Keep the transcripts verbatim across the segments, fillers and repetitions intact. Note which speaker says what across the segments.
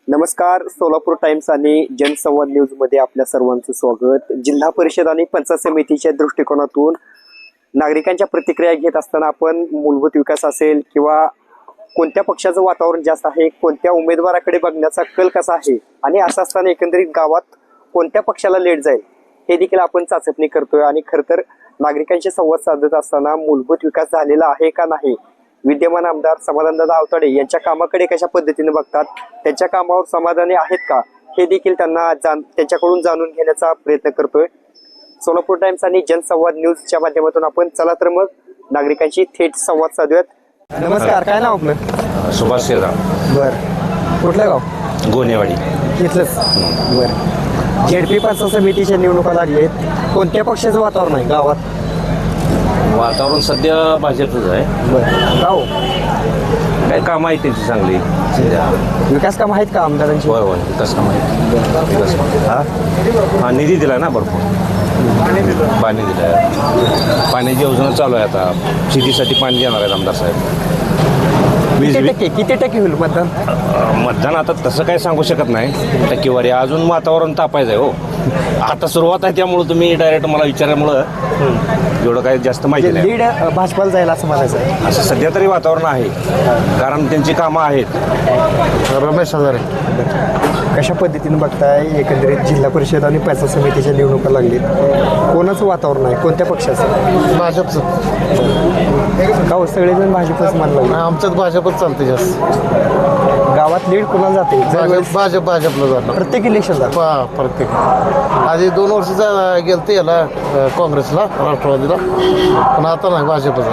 Speaker 1: नमस्कार, सोलापूर टाइम्स आणि जनसंवाद न्यूजमध्ये आपल्या सर्वांचं स्वागत. जिल्हा परिषद आणि पंचायत समितीच्या दृष्टिकोनातून नागरिकांच्या प्रतिक्रिया घेत असताना आपण मूलभूत विकास असेल किंवा कोणत्या पक्षाचं वातावरण जास्त आहे, कोणत्या उमेदवाराकडे बघण्याचा कल कसा आहे आणि असं असताना एकंदरीत गावात कोणत्या पक्षाला लेट जाईल हे देखील आपण चाचपणी करतोय. आणि खरं तर नागरिकांशी संवाद साधत असताना मूलभूत विकास झालेला आहे का नाही, विद्यमान आमदार समाधानदादा आवताडे यांच्या कामाकडे कशा पद्धतीने बघतात, त्यांच्या कामावर समाधानी आहेत का, हे देखील त्यांना जाण त्यांच्याकडून जाणून घेण्याचा प्रयत्न करतोय. सोलापूर टाइम्स आणि जनसंवाद न्यूजच्या माध्यमातून आपण चला तर मग नागरिकांशी थेट संवाद साधूयात. नमस्कार, काय नाव आपलं?
Speaker 2: सुभाष शेरगाव.
Speaker 1: बरं, कुठलं गाव?
Speaker 2: गोनेवाडी.
Speaker 1: इथलंच. बरं, झेडपी पंचायत समितीच्या निवडणुका लागलेत, कोणत्या पक्षाचं वातावरण आहे गावात?
Speaker 2: वातावरण सध्या भाजपच आहे.
Speaker 1: बरं, गाव
Speaker 2: काय कामं आहेत त्यांची चांगली सध्या.
Speaker 1: विकास कामं आहेत का आमदारांची?
Speaker 2: होय होय विकास कामं आहेत. विकास हा हा निधी दिला ना भरपूर, पाणी दिलं आहे, पाण्याची योजना चालू आहे. आता शेतीसाठी पाणी देणार आहेत आमदार साहेब. वीस
Speaker 1: किती टक्के किती टक्के होईल मतदान?
Speaker 2: मतदान आता तसं काही सांगू शकत नाही टक्केवारी, अजून वातावरण तापायचं आहे. हो, आता सुरुवात आहे, त्यामुळं तुम्ही डायरेक्ट मला विचारल्यामुळं एवढं काही जास्त माहिती नाही.
Speaker 1: लीड भाजपाला जाईल असं म्हणायचं आहे.
Speaker 2: असं सध्या तरी वातावरण आहे, कारण त्यांची कामं आहेत.
Speaker 1: रमेश हजारे, कशा पद्धतीने बघताय एकंदरीत जिल्हा परिषद आणि पंचायत समितीच्या निवडणुका लागलीत, कोणाचं वातावरण आहे, कोणत्या पक्षाचं?
Speaker 3: भाजपचं.
Speaker 1: का हो, सगळेजण भाजपच मानलं?
Speaker 3: आमच्यात भाजपच चालते जास्त.
Speaker 1: गावात लीड कोणाला जाते?
Speaker 3: भाजप भाजप भाजपला जाणार
Speaker 1: प्रत्येक इलेक्शनला
Speaker 3: पा प्रत्येक आधी दोन वर्षाचा गेलते याला अं, काँग्रेसला, राष्ट्रवादीला, पण आता नाही भाजपच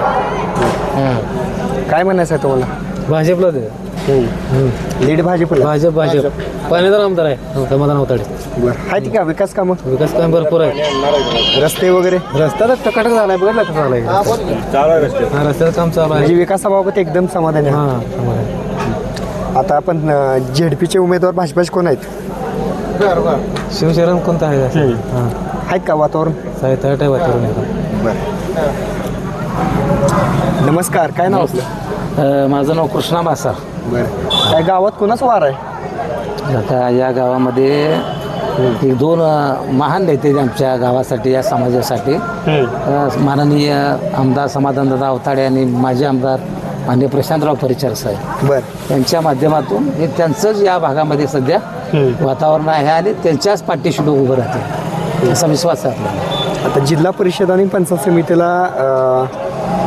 Speaker 3: आहे.
Speaker 1: काय म्हणायचं आहे तुम्हाला?
Speaker 4: भाजपला दे.
Speaker 1: लीड भाजपला?
Speaker 4: भाजप भाजप पाण्याचा आमदार आहे समाधान आवताडे.
Speaker 1: बरं, आहेत का विकास कामं?
Speaker 4: विकास काम भरपूर आहे.
Speaker 1: रस्ते वगैरे?
Speaker 4: रस्ता तर टकाटक झालाय, बघितला का झालाय? हा, रस्त्याचं काम चालू आहे.
Speaker 1: म्हणजे विकासाबाबत एकदम समाधानी आहे.
Speaker 4: हा समाधान.
Speaker 1: आता आपण झेडपीचे उमेदवार भाजपाचे कोण आहेत?
Speaker 4: शिवशरण कोणता आहे? हा,
Speaker 1: आहेत का वातावरण?
Speaker 4: साहित्य आहे वातावरण आहे.
Speaker 1: बरं, नमस्कार, काय नाव आपलं?
Speaker 4: माझं नाव कृष्णा मासार.
Speaker 1: बरं, काय गावात कोणाच वार आहे?
Speaker 4: आता या गावामध्ये एक दोन अ, महान नेते आमच्या गावासाठी, या समाजासाठी, अ, माननीय आमदार समाधानदादा आवताडे आणि माजी आमदार माननीय प्रशांतराव परिचार साहेब,
Speaker 1: बरं,
Speaker 4: यांच्या माध्यमातून हे त्यांचंच या भागामध्ये सध्या वातावरण आहे आणि त्यांच्याच पाठीशी लोक उभं राहतील असा विश्वास आहे आपल्याला.
Speaker 1: आता जिल्हा परिषद आणि पंचायत समितीला अ,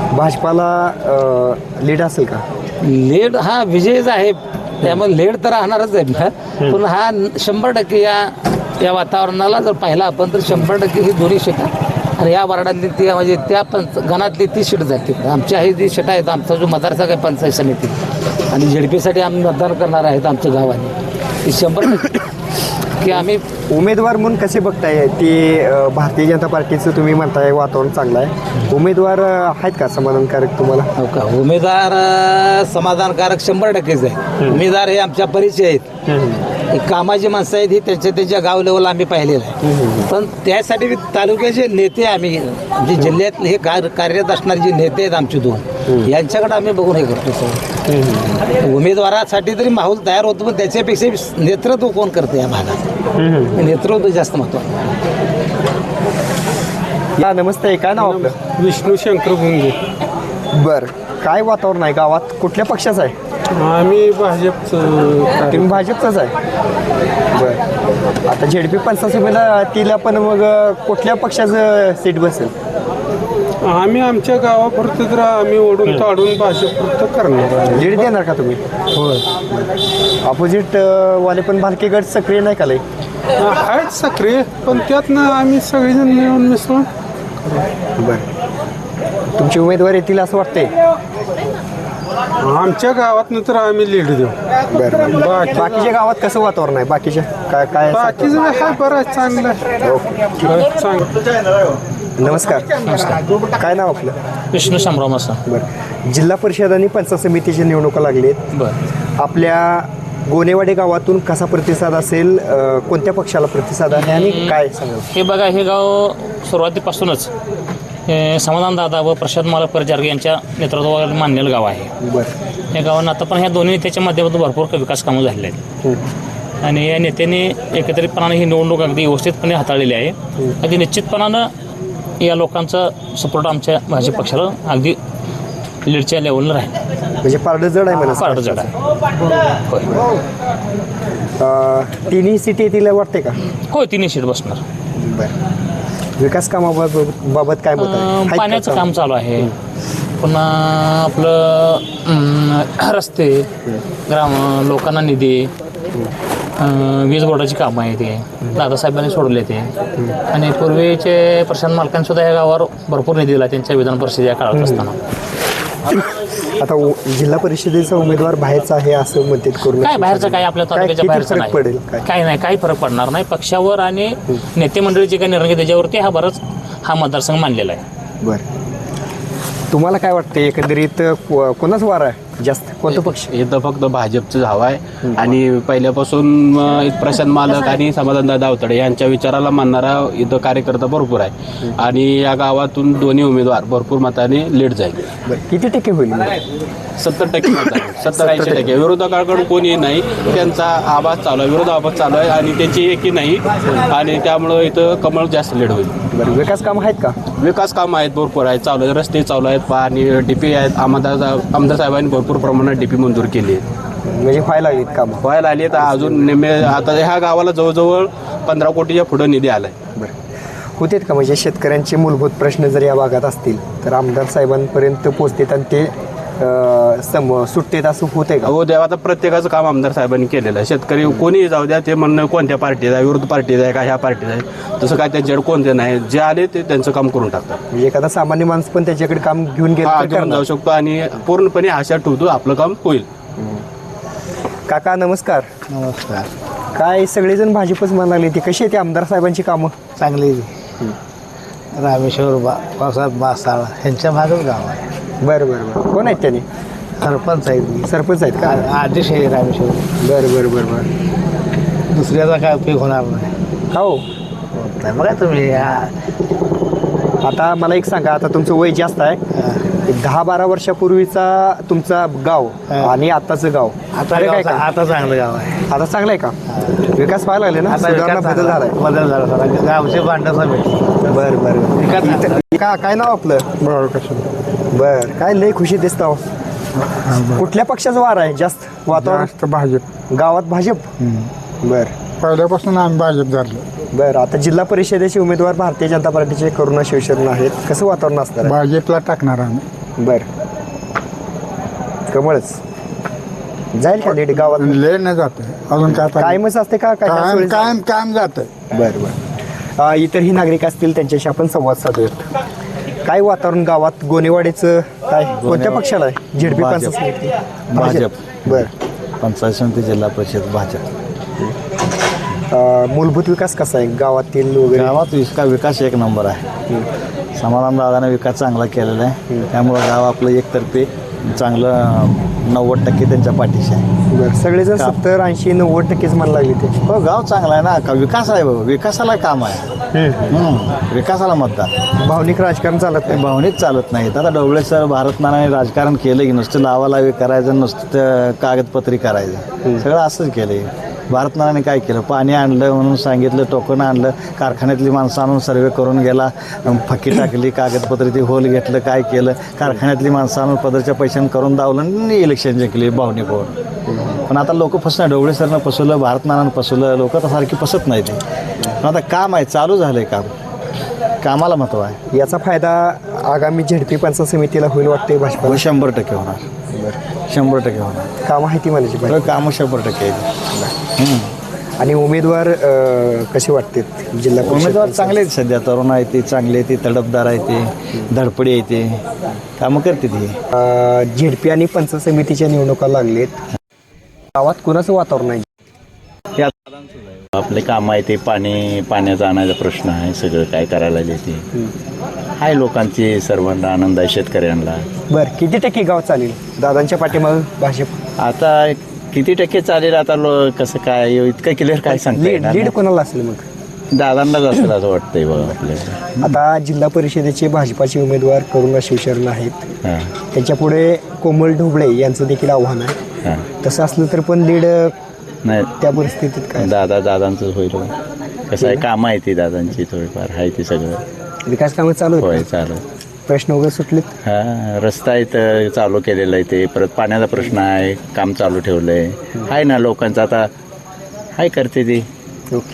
Speaker 1: भाजपाला लीड असेल का?
Speaker 4: लेड हा विजयच आहे, त्यामुळे लेड तर राहणारच आहे ना, पण हा शंभर टक्के या या वातावरणाला जर पाहिला आपण तर शंभर टक्के ही दोन्ही शेटा आणि या वार्डातली ती म्हणजे त्या पंच गणातली ती सीट जाते. आमच्या ही जी शेटा आहेत, आमचा जो मतदारसंघ आहे पंचायत समिती आणि झेडपीसाठी आम्ही मतदान करणार आहेत आमच्या गावाने, ती शंभर टक्के की आम्ही
Speaker 1: उमेदवार म्हणून कसे बघताय ते? अ, भारतीय जनता पार्टीचं तुम्ही म्हणताय वातावरण चांगलं आहे, उमेदवार अ, आहेत का समाधानकारक तुम्हाला?
Speaker 4: हो का, उमेदवार अ, समाधानकारक शंभर टक्केच आहे. उमेदवार हे आमच्या परिचय आहेत, हे कामाची माणसं आहेत, ही त्यांच्या त्यांच्या गाव लेवलला आम्ही पाहिलेलं आहे. पण त्यासाठी तालुक्याचे नेते आम्ही म्हणजे जिल्ह्यात हे कार कार्यरत असणारे जे नेते आहेत आमचे दोन, यांच्याकडे आम्ही बघून हे करतो सगळं. उमेदवारासाठी तरी माहोल तयार होतो, पण त्याच्यापेक्षा नेतृत्व कोण करतं या भागात, नेतृत्व जास्त महत्त्वाचं.
Speaker 1: या नमस्ते, काय नाव आपलं?
Speaker 5: विष्णू शंकर भुंगे.
Speaker 1: बरं, काय वातावरण आहे गावात, कुठल्या पक्षाचं आहे?
Speaker 5: आम्ही भाजपचं.
Speaker 1: तुम्ही भाजपचाच आहे? बरं, आता झेडपी पंचायत समितीला तिला पण मग अ, कुठल्या पक्षाचं सीट बसेल?
Speaker 5: आम्ही आमच्या गावापुरतं तर आम्ही ओढून ताडून भाजपपुरतं करणार आहे.
Speaker 1: लीड देणार का तुम्ही?
Speaker 5: होय,
Speaker 1: ऑपोजिट वाले पण भालके गट सक्रिय नाही का लई?
Speaker 5: आहेत सक्रिय, पण त्यातनं आम्ही सगळेजण मिळून मिसळून.
Speaker 1: बरं, तुमची उमेदवार येतील असं वाटतंय?
Speaker 5: आमच्या गावातनं तर आम्ही लीड देऊ.
Speaker 1: बरं,
Speaker 5: बाकी
Speaker 1: बाकीच्या गावात कसं वातावरण आहे? बाकीच्या काय काय
Speaker 5: बाकीचं काय बरं आहे, चांगलं आहे.
Speaker 1: ओके,
Speaker 5: चांगलं.
Speaker 1: नमस्कार. नमस्कार, काय नाव आपलं?
Speaker 4: विष्णू शामराव मासा.
Speaker 1: बरं, जिल्हा परिषद आणि पंचायत समितीची निवडणुका लागलीत,
Speaker 4: बरं,
Speaker 1: आपल्या गोनेवाडी गावातून कसा प्रतिसाद असेल, अ, कोणत्या पक्षाला प्रतिसाद आहे आणि काय सांगाल?
Speaker 6: हे बघा, हे गाव सुरुवातीपासूनच हे समाधानदादा व प्रशांत मालक परिचारक यांच्या नेतृत्वाखाली मानलेलं गाव आहे.
Speaker 1: बरं,
Speaker 6: या गावांना आता पण ह्या दोन्ही नेत्याच्या माध्यमातून भरपूर विकास कामं झालेली आहेत. आणि या नेत्यांनी एकत्रितपणाने ही निवडणूक अगदी व्यवस्थितपणे हाताळलेली आहे. अगदी निश्चितपणानं या लोकांचा सपोर्ट आमच्या भाजप पक्षाला अगदी लीडच्या लेवलला राहील.
Speaker 1: म्हणजे पारडं जड आहे म्हणा.
Speaker 6: पारडं जड आहे. होय
Speaker 1: अं, तिन्ही सिटी येतील वाटते का?
Speaker 6: होय तिन्ही सीट बसणार.
Speaker 1: बरं. विकास कामाबाबत बाबत काय मत आहे?
Speaker 6: अं,
Speaker 1: आहेत का
Speaker 6: पाण्याचं काम चालू आहे. पुन्हा आपलं अं, रस्ते, ग्राम लोकांना निधी, अं, वीज बोर्डाची कामं आहे ते दादासाहेबांनी सोडले ते. आणि पूर्वीचे प्रशांत मालकांनी सुद्धा या गावावर भरपूर निधी दिला त्यांच्या विधान परिषद या काळात असताना.
Speaker 1: आता उ- जिल्हा परिषदेचा उमेदवार बाहेरचा आहे असं मदत करून
Speaker 6: काय बाहेरचं काय आपल्या तालुक्याच्या बाहेरचं नाही.
Speaker 1: पडेल काय?
Speaker 6: काही नाही काही फरक पडणार नाही. पक्षावर आणि नेते मंडळी जे काही निर्णय घेतात त्याच्यावरती हा बराच हा मतदारसंघ मानलेला आहे.
Speaker 1: बरं. तुम्हाला काय वाटतं एकंदरीत को- कोणाच वार आहे जास्त? कोणतं पक्ष?
Speaker 7: इथं फक्त भाजपचं हवं आहे आणि पहिल्यापासून अं, प्रशांत मालक आणि समाधानदादा अवतडे यांच्या विचाराला मानणारा इथं कार्यकर्ता भरपूर आहे आणि या गावातून दोन्ही उमेदवार भरपूर मताने लीड जाईल.
Speaker 1: बरं. किती टक्के होईल?
Speaker 7: सत्तर टक्के मत आहे. सत्तर ऐंशी टक्के विरोधकाकडून कोणी नाही. त्यांचा आवाज चालू आहे, विरोध आवाज चालू आहे आणि त्यांची एकी नाही आणि त्यामुळं इथं कमळ जास्त लीड होईल.
Speaker 1: बरं. विकास कामं आहेत का?
Speaker 7: विकास कामं आहेत भरपूर आहेत चालू आहेत. रस्ते चालू आहेत, पाणी डीपी आहेत. आमदार आमदार साहेबांनी भरपूर प्रमाणात डीपी मंजूर केली आहे.
Speaker 1: म्हणजे व्हायला लागलीत कामं?
Speaker 7: व्हायला आली तर अजून निम्मे आता ह्या गावाला जवळजवळ पंधरा कोटीच्या पुढं निधी आलाय.
Speaker 1: बरं. होतेत का म्हणजे शेतकऱ्यांचे मूलभूत प्रश्न जर या भागात असतील तर आमदार साहेबांपर्यंत पोहोचतात आणि ते अं, सम सुटतेत असं होते का?
Speaker 7: हो देवा आता प्रत्येकाचं काम आमदार साहेबांनी केलेलं आहे. शेतकरी कोणीही जाऊ द्या ते म्हणणं कोणत्या पार्टीचा आहे, विरोध पार्टीचा आहे का ह्या पार्टीचा आहे, तसं काय त्यांच्याकडे कोणते नाही. जे आले ते त्यांचं काम करून टाकतात.
Speaker 1: म्हणजे एखादा सामान्य माणूस पण त्याच्याकडे काम घेऊन गेलं
Speaker 7: हा
Speaker 1: तर
Speaker 7: घेऊन
Speaker 1: करणार.
Speaker 7: जाऊ शकतो आणि पूर्णपणे आशा ठेवतो आपलं काम होईल.
Speaker 1: काका नमस्कार.
Speaker 3: नमस्कार.
Speaker 1: काय सगळेजण भाजपच म्हणायला लागले, ती कशी आहे ती आमदार साहेबांची कामं?
Speaker 3: चांगली रामेश्वर बा पावसात बासाळ ह्यांच्या भागच गाव आहे.
Speaker 1: बरं बरं बरं. कोण आहेत त्यांनी?
Speaker 3: सरपंच आहेत.
Speaker 1: सरपंच आहेत का?
Speaker 3: आदेश आहे रामेश्वर.
Speaker 1: बरं बरं बरं बरं.
Speaker 3: दुसऱ्याचा काय उपयोग होणार नाही.
Speaker 1: हो.
Speaker 3: नाही बघा तुम्ही
Speaker 1: आता मला एक सांगा, आता तुमचं वय जास्त आहे, एक दहा बारा वर्षापूर्वीचा तुमचा गाव आणि आताचं गाव
Speaker 3: आता
Speaker 1: फरक आहे
Speaker 3: गाव-
Speaker 1: का?
Speaker 3: आता चांगलं गाव आहे.
Speaker 1: आता चांगलं आहे का? विकास व्हायला लागले ना?
Speaker 3: आता
Speaker 1: सुधारणा
Speaker 3: विकास
Speaker 1: बदल झालाय.
Speaker 3: झाला- बदल झाला सगळा. गावचे भांडण भेटले.
Speaker 1: बरं बरं.
Speaker 3: विकास झाला.
Speaker 1: इथं- का काय नाव आपलं? बर. काय लय खुशी दिसतो. कुठल्या पक्षाचा वार आहे जास्त वातावरण?
Speaker 5: जास्त भाजप.
Speaker 1: गावात भाजप. बर
Speaker 5: पहिल्यापासून आम्ही भाजप झालो.
Speaker 1: बर. आता जिल्हा परिषदेचे उमेदवार भारतीय जनता पार्टीचे करुणा शिवशरण आहेत. कसं वातावरण असणार आहे?
Speaker 5: भाजपला टाकणार आम्ही.
Speaker 1: बर. कमळच जाईल का लेडी गावात?
Speaker 5: लय न जात अजून काय
Speaker 1: कायमच असते का? काय काय
Speaker 5: कायम
Speaker 1: सोयीचं?
Speaker 5: कायम कायम जात
Speaker 1: बर बर. अ, इतरही नागरिक असतील त्यांच्याशी आपण संवाद साधूयात. काय वातावरण गावात? गोनेवाडीचं काय कोणत्या पक्षाला आहे? झेडपी
Speaker 8: भाजप.
Speaker 1: पंचायत समिती?
Speaker 8: भाजप.
Speaker 1: बर.
Speaker 8: पंचायत समिती जिल्हा परिषद भाजप.
Speaker 1: अ, मूलभूत विकास कसा आहे गावातील वगैरे?
Speaker 8: गावात विका विकास एक नंबर आहे. समाधान दादाने विकास चांगला केलेला आहे. त्यामुळं गाव आपलं एकतर्फे चांगलं नव्वद टक्के त्यांच्या पाठीशी आहे.
Speaker 1: बरं. सगळेजण सत्तर ऐंशी नव्वद टक्केच म्हणायला लागले ते.
Speaker 8: हो गाव चांगला आहे ना. का विकास आहे बाबा. विकासाला काम आहे. हम्म. विकासाला मतदान.
Speaker 1: भावनिक राजकारण चालत
Speaker 8: ते
Speaker 1: नाही.
Speaker 8: भावनिक चालत नाहीत. आता डोबळे सर भारतनारायण राजकारण केलं की नुसतं लावालावी करायचं, नुसतं कागदपत्री करायचं, सगळं असंच केलं. भारतनारायणे काय केलं? पाणी आणलं म्हणून सांगितलं, टोकन आणलं, कारखान्यातली माणसं आणून सर्वे करून गेला, फकी टाकली, कागदपत्र ती होल घेतलं, काय केलं, कारखान्यातली माणसं आणून पदरच्या पैशानं करून दावलं आणि इलेक्शन जिंकली भावनिक होऊन. पण आता लोक फसणार. डोबळे सरनं फसवलं, भारतनारायण फसवलं, लोक तर सारखी फसत नाही ते. पण आता काम आहे, चालू झालं आहे काम. कामाला महत्त्व आहे.
Speaker 1: याचा फायदा आगामी झेडपी पंचायत समितीला होईल वाटते भाजपा?
Speaker 8: हो शंभर टक्के होणार. शंभर टक्के होणार.
Speaker 1: काम आहे ती म्हणायची पाहिजे.
Speaker 8: कामं शंभर टक्के आहेत.
Speaker 1: आणि उमेदवार अ, कसे वाटतात जिल्हा परिषद
Speaker 8: उमेदवार
Speaker 1: पंचायत?
Speaker 8: चांगले आहेत सध्या. तरुण आहे ते, चांगले आहे ते, तडफदार आहे ते, धडपडी आहे ते, कामं करते ती.
Speaker 1: अ, झेडपी आणि पंचायत समितीच्या निवडणुका लागलेत. गावात कुणाचं वातावरण आहे?
Speaker 9: आपले काम आहे ते पाणी पाण्याचा आणायचा प्रश्न आहे. सगळं काय करायला येते आहे. लोकांची सर्वांना आनंद आहे, शेतकऱ्यांना.
Speaker 1: बरं. किती टक्के गाव चालेल दादांच्या पाठीमाग भाजप?
Speaker 9: आता किती टक्के चालेल आता लो कसं काय इतकं क्लिअर काय सांगता
Speaker 1: लीड
Speaker 9: येणार
Speaker 1: लीड
Speaker 9: नाही.
Speaker 1: कोणाला असेल मग?
Speaker 9: दादांनाच असेल असं वाटतंय बघ आपल्याला.
Speaker 1: आता जिल्हा परिषदेचे भाजपाचे उमेदवार करुणा शिवशरण आहेत.
Speaker 9: हां
Speaker 1: त्यांच्या पुढे कोमल ढोबळे यांचं देखील आव्हान आहे.
Speaker 9: हां
Speaker 1: तसं असलं तर पण लीड
Speaker 9: नाही
Speaker 1: त्या परिस्थितीत काय
Speaker 9: दादा दादांचंच होईल कसं आहे कामं आहे ती दादांची थोडीफार आहे ती सगळं
Speaker 1: विकास कामं चालू आहेत
Speaker 9: होय
Speaker 1: का?
Speaker 9: चालू
Speaker 1: प्रश्न वगैरे सुटलेत?
Speaker 9: हा रस्ता आहे तर चालू केलेला आहे ते परत पाण्याचा प्रश्न आहे काम चालू ठेवलं आहे आहे ना लोकांचं आता आहे करते ती
Speaker 1: ओके